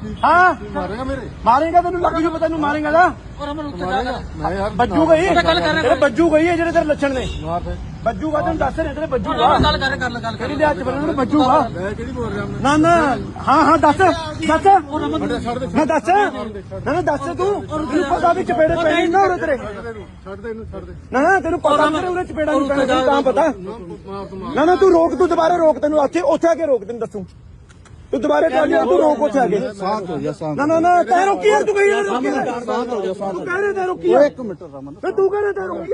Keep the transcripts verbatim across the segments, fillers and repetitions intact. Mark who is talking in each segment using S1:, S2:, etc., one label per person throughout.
S1: हाँ
S2: मारेगा मेरे
S1: मारेगा तेन लग जू पता मारेगा ना बज्जू गई तेरे बज्जू गई है जेडे तेरे लक्षण ने बज्जूगा तेन दस रहे तेरे बज्जूगा तेरी हथ बन बज्जूगा ना ना हाँ हाँ दस दस ना दस ना ना दस तू पता भी चपेड़े पैने ना हो तेरे ना ना तेन पता तेरे उन्हें चपेड़ा नहीं पैना तेन तां पता ना ना तू रोक तू दोबारा रोक तेन उथे उथे आके रोक तेन दसू तू दोबारा ट्राली तू रोक उसे आगे ना ना ना तै रोकी यार तू कही तू कह रहे तै रोकी एक मिनट तू कह रहे तै रोकी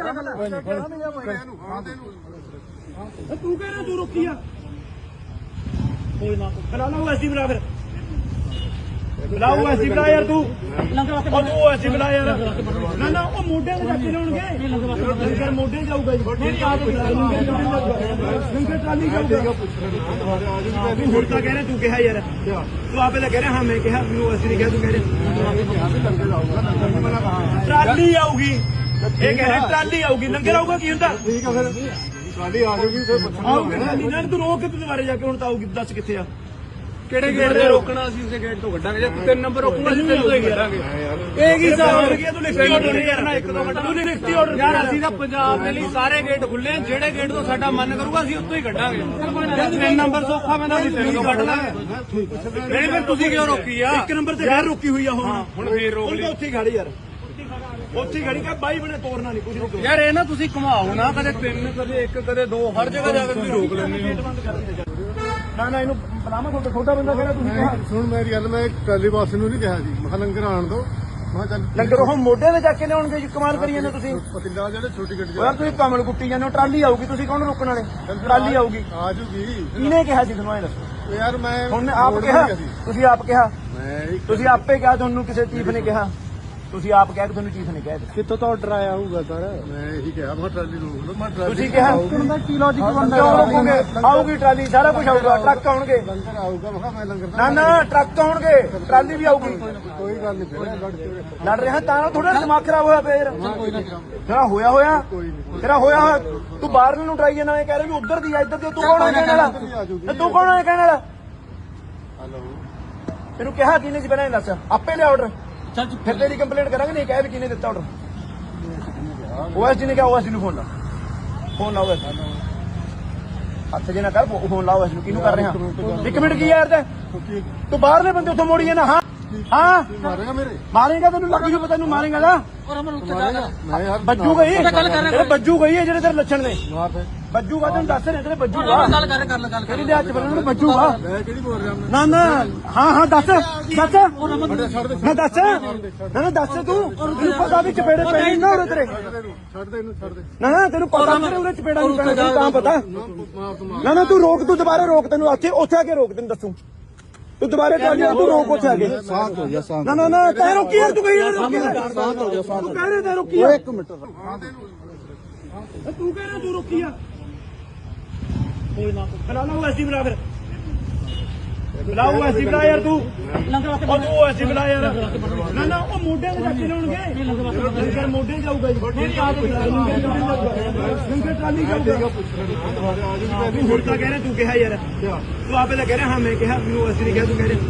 S1: तू कह रहे तू रोकी बुला लो ऐसी बुला फिर बुलाओ ऐसी बुला यार तू तू ऐसी बुला यार ना ना वो मोढे में जाके लाउणगे लंगर मोढे जाऊगा लंगर ट्राली जाऊगा ਹੁਣ ਤਾਂ ਕਹਿ ਰਿਹਾ ਤੂੰ ਕਿਹਾ ਯਾਰ ਤੂੰ ਆਪੇ ਤਾਂ ਕਹਿ ਰਿਹਾ ਹਾਂ ਮੈਂ ਕਿਹਾ ਮੈਨੂੰ ਅਸੀਂ ਨਹੀਂ ਕਿਹਾ ਤੂੰ ਕਹਿ ਰਿਹਾ ਟਰਾਲੀ ਆਊਗੀ ਇਹ ਕਹਿ ਰਿਹਾ ਟਰਾਲੀ ਆਊਗੀ ਲੰਗਰ ਆਊਗਾ ਕੀ ਹੁੰਦਾ
S2: ਠੀਕ ਆ ਫਿਰ ਟਰਾਲੀ ਆ ਜਾਊਗੀ ਫਿਰ
S1: ਆਊਗੀ ਟਰਾਲੀ ਨਾਲ ਤੂੰ ਰੋਕ ਕੇ ਤੂੰ ਦੁਬਾਰੇ ਜਾ ਕੇ ਹੁਣ ਤਾਂ ਆਊਗੀ ਦੱਸ ਕਿੱਥੇ ਆ
S3: ਕਿਹੜੇ ਗੇਟ ਤੇ ਰੋਕਣਾ ਅਸੀਂ ਉਸੇ ਗੇਟ ਤੋਂ ਕੱਢਾਂਗੇ ਜੇ ਤਿੰਨ ਨੰਬਰ ਰੋਕੂਗਾ ਅਸੀਂ ਤਿੰਨ ਤੋਂ ਹੀ ਕੱਢਾਂਗੇ
S1: ਇਹ ਕੀ ਹਿਸਾਬ ਹੋ ਗਿਆ ਤੂੰ ਲਿਖਤੀ ਆਰਡਰ ਨਹੀਂ ਕਰਨਾ ਇੱਕ ਦੋ ਘੰਟਾ ਤੂੰ ਲਿਖਤੀ ਆਰਡਰ
S3: ਯਾਰ ਅਸੀਂ ਤਾਂ ਪੰਜਾਬ ਦੇ ਲਈ ਸਾਰੇ ਗੇਟ ਖੁੱਲੇ ਜਿਹੜੇ ਗੇਟ ਤੋਂ ਸਾਡਾ ਮਨ ਕਰੂਗਾ ਅਸੀਂ ਉੱਥੋਂ ਹੀ ਕੱਢਾਂਗੇ ਜੇ ਤਿੰਨ ਨੰਬਰ ਸੌਖਾ ਪੈਂਦਾ ਅਸੀਂ ਤਿੰਨ ਤੋਂ ਕੱਢ ਲਾਂਗੇ ਨਹੀਂ ਫਿਰ ਤੁਸੀਂ ਕਿਉਂ ਰੋਕੀ ਆ
S1: ਇੱਕ ਨੰਬਰ ਤੇ ਗੈਰ ਰੋਕੀ ਹੋਈ ਆ ਹੁਣ
S3: ਹੁਣ ਫੇਰ ਰੋਕ ਲਈ
S1: ਉੱਥੇ ਖੜੀ ਯਾਰ ਉੱਥੇ ਖੜੀ ਕਾ ਬਾਈ ਬਣੇ ਤੋੜਨਾ ਨਹੀਂ ਕੁਝ ਨਹੀਂ
S3: ਯਾਰ ਇਹ ਨਾ ਤੁਸੀਂ ਘੁਮਾਓ ਨਾ ਕਦੇ ਤਿੰਨ ਕਦੇ ਇੱਕ ਕਦੇ ਦੋ ਹਰ ਜਗ੍ਹਾ ਜਾ ਕੇ ਤੁਸੀਂ ਰੋਕ ਲੈਂਦੇ ਹੋ
S1: ਨਾ ਨਾ ਇਹਨੂੰ ਬਲਾਮਾ ਤੁਹਾਡਾ ਛੋਟਾ ਬੰਦਾ ਕਿਹੜਾ ਤੁਸੀਂ ਕਿਹਾ
S2: ਸੁਣ ਮੇਰੀ ਗੱਲ ਮੈਂ ਟਰਾਲੀ ਬਾਸ ਨੂੰ ਨਹੀਂ ਕਿਹਾ ਜੀ ਮੈਂ ਲੰਗਰ ਆਣ ਦੋ ਮੈਂ ਚੱਲ
S1: ਲੰਗਰ ਉਹ ਮੋਢੇ ਤੇ ਜਾ ਕੇ ਲਿਆਉਣਗੇ ਜੀ ਕਮਾਲ ਕਰੀ ਜਾਂਦੇ ਤੁਸੀਂ
S2: ਪਤਿੰਦਾ ਜਿਹੜੇ ਛੋਟੀ ਗੱਡੀ
S1: ਯਾਰ ਤੁਸੀਂ ਕਮਲ ਕੁੱਟੀ ਜਾਂਦੇ ਹੋ ਟਰਾਲੀ ਆਊਗੀ ਤੁਸੀਂ ਕੌਣ ਰੋਕਣ ਵਾਲੇ ਟਰਾਲੀ ਆਊਗੀ
S2: ਆ ਜੂਗੀ
S1: ਕਿਹਨੇ ਕਿਹਾ ਜੀ ਤੁਹਾਨੂੰ ਇਹ ਦੱਸੋ
S2: ਯਾਰ ਮੈਂ
S1: ਹੁਣ ਆਪ ਕਿਹਾ ਤੁਸੀਂ ਆਪ ਕਿਹਾ
S2: ਮੈਂ
S1: ਤੁਸੀਂ ਆਪੇ ਕਿਹਾ ਤੁਹਾਨੂੰ ਕਿਸੇ ਚੀਫ ਨੇ ਕਿਹਾ ਤੁਸੀਂ ਆਪ ਕਹਿ ਕੇ ਤੁਹਾਨੂੰ ਚੀਫ ਨੇ ਕਹਿ ਦਿੱਤਾ
S3: ਕਿੱਥੋਂ ਤੋਂ ਆਰਡਰ ਆਇਆ ਹੋਊਗਾ ਸਰ
S2: ਮੈਂ ਇਹੀ ਕਿਹਾ ਮੈਂ ਟਰਾਲੀ ਰੋਕ ਲਓ ਮੈਂ ਟਰਾਲੀ
S1: ਤੁਸੀਂ ਕਿਹਾ
S3: ਕੀ ਲੌਜੀਕ
S1: ਕਿਉਂ ਰੋਕੋਗੇ ਆਊਗੀ ਟਰਾਲੀ ਸਾਰਾ ਕੁਝ ਆਊਗਾ ਟਰੱਕ ਆਉਣਗੇ
S2: ਲੰਗਰ ਆਊਗਾ ਮੈਂ ਮੈਂ ਲੰਗਰ
S1: ਨਾ ਨਾ ਟਰੱਕ ਆਉਣਗੇ ਟਰਾਲੀ ਵੀ ਆਊਗੀ
S2: ਕੋਈ ਗੱਲ ਨਹੀਂ ਫਿਰ ਲੜ ਕੇ
S1: ਲੜ ਰਿਹਾ ਤਾਂ ਥੋੜਾ ਦਿਮਾਗ ਖਰਾਬ ਹੋਇਆ ਫੇਰ ਤੇਰਾ ਹੋਇਆ ਹੋਇਆ ਤੇਰਾ ਹੋਇਆ ਹੋਇਆ ਤੂੰ ਬਾਹਰ ਨੂੰ ਟਰਾਈ ਜਾਣਾ ਇਹ ਕਹਿ ਰਿਹਾ ਵੀ ਉਧਰ ਦੀ ਆ ਇੱਧਰ ਦੀ ਤੂੰ ਕੌਣ ਹੈ ਕਹਿਣ ਵਾਲਾ ਤੂੰ ਕੌਣ ਹੈ ਕਹਿਣ ਵਾਲਾ
S2: ਹਲੋ
S1: ਤੈਨੂੰ ਕਿਹਾ ਕਿਹਨੇ ਸੀ ਪਹਿਲਾਂ ਦੱਸ ਆਪੇ ਲਿਆ ਆਰਡਰ ਚੱਲ ਫਿਰ ਤੇਰੀ ਕੰਪਲੇਂਟ ਕਰਾਂਗੇ ਨਹੀਂ ਕਹਿ ਵੀ ਕਿਹਨੇ ਦਿੱਤਾ ਆਰਡਰ ਓਐਸਡੀ ਨੇ ਕਿਹਾ ਓਐਸਡੀ ਨੂੰ ਫੋਨ ਲਾ ਫੋਨ ਲਾਓ ਹੱਥ ਜੇ ਨਾ ਕਰ ਫੋਨ ਲਾਓ ਇਸ ਨੂੰ ਕਿਹਨੂੰ ਕਰ ਰਿਹਾ ਇੱਕ ਮਿੰਟ ਕੀ ਯਾਰ ਤੇ ਤੂੰ ਬਾਹਰਲੇ ਬੰਦੇ ਉੱਥੋਂ ਮੋੜੀ ਜਾਂਦਾ ਹਾਂ ਹਾਂ
S2: ਮਾਰੇਗਾ ਮੇਰੇ
S1: ਮਾਰੇਗਾ ਤੈਨੂੰ ਲੱਗ ਜੂ ਪਤਾ ਮਾਰੇਗਾ ਨਾ
S2: ਮੈਂ ਯਾਰ
S1: ਬੱਜੂ ਗਈ ਤੇਰੇ ਬੱਜੂ ਗਈ ਹੈ ਜਿਹੜੇ ਤੇਰੇ ਲੱਛਣ ਨੇ
S2: ਮਾਰ ਦੇ
S1: ਬੱਜੂਗਾ ਤੈਨੂੰ ਦੱਸ ਰਹੇ ਤੇਰੇ ਬੱਜੂਗਾ
S3: ਗੱਲ ਕਰ ਕਰ ਗੱਲ
S1: ਤੇਰੀ ਹੱਥ ਬਨ ਬੱਜੂਗਾ
S2: ਮੈਂ ਕਿਹੜੀ ਬੋਲ ਰਿਹਾ ਮੈਂ
S1: ਨਾ ਨਾ ਹਾਂ ਹਾਂ ਦੱਸ ਦੱਸ ਨਾ ਦੱਸ ਨਾ ਨਾ ਦੱਸ ਤੂੰ ਤੈਨੂੰ ਪਤਾ ਵੀ ਚਪੇੜੇ ਪੈਣੇ ਨਾ ਹੋ ਤੇਰੇ
S2: ਛੱਡ ਦੇ ਇਹਨੂੰ ਛੱਡ ਦੇ
S1: ਨਾ ਨਾ ਤੈਨੂੰ ਪਤਾ ਤੇਰੇ ਉਹਨੇ ਚਪੇੜਾ ਨਹੀਂ ਪੈਣਾ ਤੈਨੂੰ ਤਾਂ ਪਤਾ
S2: ਮਾਰ ਤੂੰ
S1: ਨਾ ਨਾ ਤੂੰ ਰੋਕ ਤੂੰ ਦੁਬਾਰਾ ਰੋਕ ਤੈਨੂੰ ਉੱਥੇ ਉੱਥੇ ਆ ਕੇ ਰੋਕ ਤੈਨੂੰ ਦੱਸੂ ਤੂੰ ਦੁਬਾਰਾ ਟਰਾਲੀ ਤੂੰ ਰੋਕ ਉੱਥੇ ਆ ਕੇ
S2: ਸਾਥ ਹੋ ਜਾ ਸਾਥ
S1: ਨਾ ਨਾ ਨਾ ਤੈ ਰੋਕੀ ਯਾਰ ਤੂੰ ਕਹੀ ਯਾਰ ਰੋਕੀ
S2: ਸਾਥ ਹੋ ਜਾ ਸਾਥ
S1: ਤੂੰ ਕਹਿ ਰਿਹਾ ਤੈ ਰੋਕੀ
S2: ਇੱਕ ਮਿੰਟ
S1: ਤੂੰ ਕਹਿ ਰਿਹਾ ਤੂੰ ਰੋਕੀ ਆ ਕੋਈ ਨਾ ਬੁਲਾ लो ऐसी बुला फिर बुलाओ ऐसी बुला यार तू तू ऐसी बुला यार ना ना वो मोढे में जाके लाउणगे लंगर मोढे जाऊगा लंगर ट्राली जाऊगा ਹੁਣ ਤਾਂ ਕਹਿ ਰਿਹਾ ਤੂੰ ਕਿਹਾ ਯਾਰ ਤੂੰ ਆਪੇ ਤਾਂ ਕਹਿ ਰਿਹਾ ਹਾਂ ਮੈਂ ਕਿਹਾ ਮੈਨੂੰ ਅਸੀਂ ਨਹੀਂ ਕਿਹਾ ਤੂੰ ਕਹਿ ਰਿਹਾ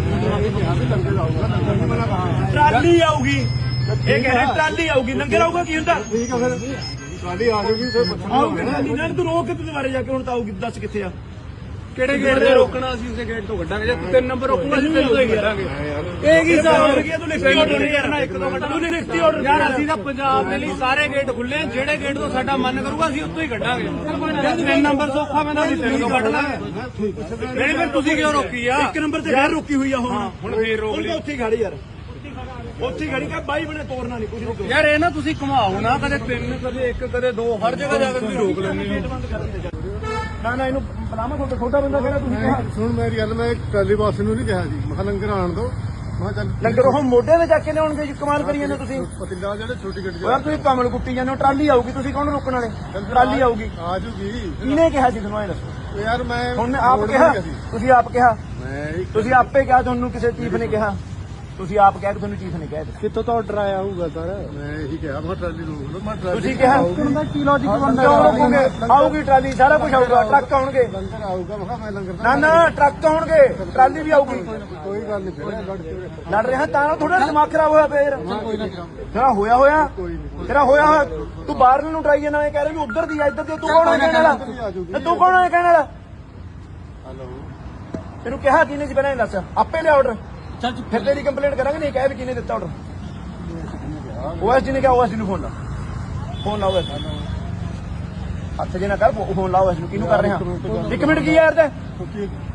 S1: ਟਰਾਲੀ ਆਊਗੀ ਇਹ ਕਹਿ ਰਿਹਾ ਟਰਾਲੀ ਆਊਗੀ ਲੰਗਰ ਆਊਗਾ ਕੀ ਹੁੰਦਾ
S2: ਠੀਕ ਆ ਫਿਰ ਟਰਾਲੀ ਆ ਜਾਊਗੀ ਫਿਰ
S1: ਆਊਗੀ ਟਰਾਲੀ ਨਾਲ ਤੂੰ ਰੋਕ ਕੇ ਤੂੰ ਦੁਬਾਰੇ ਜਾ ਕੇ ਹੁਣ ਤਾਂ ਆਊਗੀ ਦੱਸ ਕਿੱਥੇ ਆ
S3: ਕਿਹੜੇ ਗੇਟ ਤੇ ਰੋਕਣਾ ਅਸੀਂ ਉਸੇ ਗੇਟ ਤੋਂ ਕੱਢਾਂਗੇ ਜੇ ਤਿੰਨ ਨੰਬਰ ਰੋਕੂਗਾ ਅਸੀਂ ਤਿੰਨ ਤੋਂ ਹੀ ਕੱਢਾਂਗੇ
S1: ਇਹ ਕੀ ਹਿਸਾਬ ਹੋ ਗਿਆ ਤੂੰ ਲਿਖਤੀ ਆਰਡਰ ਨਹੀਂ ਕਰਨਾ ਇੱਕ ਦੋ ਘੰਟਾ ਤੂੰ ਲਿਖਤੀ ਆਰਡਰ
S3: ਯਾਰ ਅਸੀਂ ਤਾਂ ਪੰਜਾਬ ਦੇ ਲਈ ਸਾਰੇ ਗੇਟ ਖੁੱਲੇ ਜਿਹੜੇ ਗੇਟ ਤੋਂ ਸਾਡਾ ਮਨ ਕਰੂਗਾ ਅਸੀਂ ਉੱਥੋਂ ਹੀ ਕੱਢਾਂਗੇ ਜੇ ਤਿੰਨ ਨੰਬਰ ਸੌਖਾ ਪੈਂਦਾ ਅਸੀਂ ਤਿੰਨ ਤੋਂ ਕੱਢ ਲਾਂਗੇ ਨਹੀਂ ਫਿਰ ਤੁਸੀਂ ਕਿਉਂ ਰੋਕੀ ਆ
S1: ਇੱਕ ਨੰਬਰ ਤੇ ਗੈਰ ਰੋਕੀ ਹੋਈ ਆ ਹੁਣ
S3: ਹੁਣ ਫੇਰ ਰੋਕ ਲਈ
S1: ਉੱਥੇ ਖੜੀ ਯਾਰ ਉੱਥੇ ਖੜੀ ਕਾ ਬਾਈ ਬਣੇ ਤੋੜਨਾ ਨਹੀਂ ਕੁਝ ਨਹੀਂ
S3: ਯਾਰ ਇਹ ਨਾ ਤੁਸੀਂ ਘੁਮਾਓ ਨਾ ਕਦੇ ਤਿੰਨ ਕਦੇ ਇੱਕ ਕਦੇ ਦੋ ਹਰ ਜਗ੍ਹਾ ਜਾ ਕੇ ਤੁਸੀਂ ਰੋਕ ਲੈਂਦੇ ਹੋ
S1: ਨਾ ਨਾ ਇਹਨੂੰ ਬਲਾਮਾ ਤੁਹਾਡਾ ਛੋਟਾ ਬੰਦਾ ਕਿਹੜਾ ਤੁਸੀਂ ਕਿਹਾ
S2: ਸੁਣ ਮੇਰੀ ਗੱਲ ਮੈਂ ਟਰਾਲੀ ਬਾਸ ਨੂੰ ਨਹੀਂ ਕਿਹਾ ਜੀ ਮੈਂ ਲੰਗਰ ਆਣ ਦੋ ਮੈਂ ਚੱਲ
S1: ਲੰਗਰ ਉਹ ਮੋਢੇ ਤੇ ਜਾ ਕੇ ਲਿਆਉਣਗੇ ਜੀ ਕਮਾਲ ਕਰੀ ਜਾਂਦੇ ਤੁਸੀਂ
S2: ਪਤਿੰਦਾ ਜਿਹੜੇ ਛੋਟੀ ਗੱਡੀ
S1: ਯਾਰ ਤੁਸੀਂ ਕਮਲ ਕੁੱਟੀ ਜਾਂਦੇ ਹੋ ਟਰਾਲੀ ਆਊਗੀ ਤੁਸੀਂ ਕੌਣ ਰੋਕਣ ਵਾਲੇ ਟਰਾਲੀ ਆਊਗੀ
S2: ਆ ਜੂਗੀ
S1: ਕਿਹਨੇ ਕਿਹਾ ਜੀ ਤੁਹਾਨੂੰ ਇਹ ਦੱਸੋ
S2: ਯਾਰ ਮੈਂ
S1: ਹੁਣ ਆਪ ਕਿਹਾ ਤੁਸੀਂ ਆਪ ਕਿਹਾ
S2: ਮੈਂ
S1: ਤੁਸੀਂ ਆਪੇ ਕਿਹਾ ਤੁਹਾਨੂੰ ਕਿਸੇ ਚੀਫ ਨੇ ਕਿਹਾ ਤੁਸੀਂ ਆਪ ਕਹਿ ਕੇ ਤੁਹਾਨੂੰ ਚੀਫ ਨੇ ਕਹਿ ਦਿੱਤਾ
S2: ਕਿੱਥੋਂ ਤੋਂ ਆਰਡਰ ਆਇਆ ਹੋਊਗਾ ਸਰ ਮੈਂ ਇਹੀ ਕਿਹਾ ਮੈਂ ਟਰਾਲੀ ਰੋਕ ਲਓ ਮੈਂ ਟਰਾਲੀ
S1: ਤੁਸੀਂ ਕਿਹਾ
S2: ਦਾ ਕੀ ਲੌਜੀਕ ਬਣਦਾ
S1: ਕਿਉਂ ਰੋਕੋਗੇ? ਆਊਗੀ ਟਰਾਲੀ, ਸਾਰਾ ਕੁਝ ਆਊਗਾ, ਟਰੱਕ ਆਉਣਗੇ।
S2: ਲੰਗਰ ਆਊਗਾ ਮੈਂ ਕਿਹਾ ਮੈਂ ਲੰਗਰ
S1: ਨਾ ਨਾ ਟਰੱਕ ਆਉਣਗੇ, ਟਰਾਲੀ ਵੀ ਆਊਗੀ।
S2: ਕੋਈ ਗੱਲ ਨਹੀਂ ਫਿਰ ਲੜ ਕੇ
S1: ਲੜ ਰਿਹਾ ਤਾਂ ਥੋੜਾ ਦਿਮਾਗ ਖਰਾਬ ਹੋਇਆ ਪਿਆ ਯਾਰ। ਤੇਰਾ ਹੋਇਆ ਹੋਇਆ ਤੇਰਾ ਹੋਇਆ ਹੋਇਆ ਤੂੰ ਬਾਹਰ ਨੂੰ ਟਰਾਈ ਜਾਣਾ, ਇਹ ਕਹਿ ਰਿਹਾ ਵੀ ਉਧਰ ਦੀ ਆ ਇੱਧਰ ਦੀ, ਤੂੰ ਕੌਣ ਹੈ ਕਹਿਣ ਵਾਲਾ? ਤੇ ਤੂੰ ਕੌਣ ਹੈ ਕਹਿਣ ਵਾਲਾ?
S2: ਹਲੋ
S1: ਤੈਨੂੰ ਕਿਹਾ ਕਿਹਨੇ ਜੀ ਪਹਿਲਾਂ ਇਹ ਦੱਸ, ਆਪੇ ਲਿਆ ਆਰਡਰ। ਫਿਰ ਤੇਰੀ ਕੰਪਲੇਂਟ ਕਰਾਂਗੇ, ਨਹੀਂ ਕਹਿ ਵੀ ਕਿਹਨੇ ਦਿੱਤਾ ਆਰਡਰ। ਓਐਸ ਜੀ ਨੇ ਕਿਹਾ, ਓਐਸ ਜੀ ਨੂੰ ਫੋਨ ਲਾ, ਫੋਨ ਲਾ ਓਐਸ ਹੱਥ ਜੇ ਨਾ ਕਰ, ਫੋਨ ਲਾ ਓਐਸ ਨੂੰ। ਕਿਹਨੂੰ ਕਰ ਰਿਹਾ? ਇੱਕ ਮਿੰਟ ਕੀ ਯਾਰ ਤੇ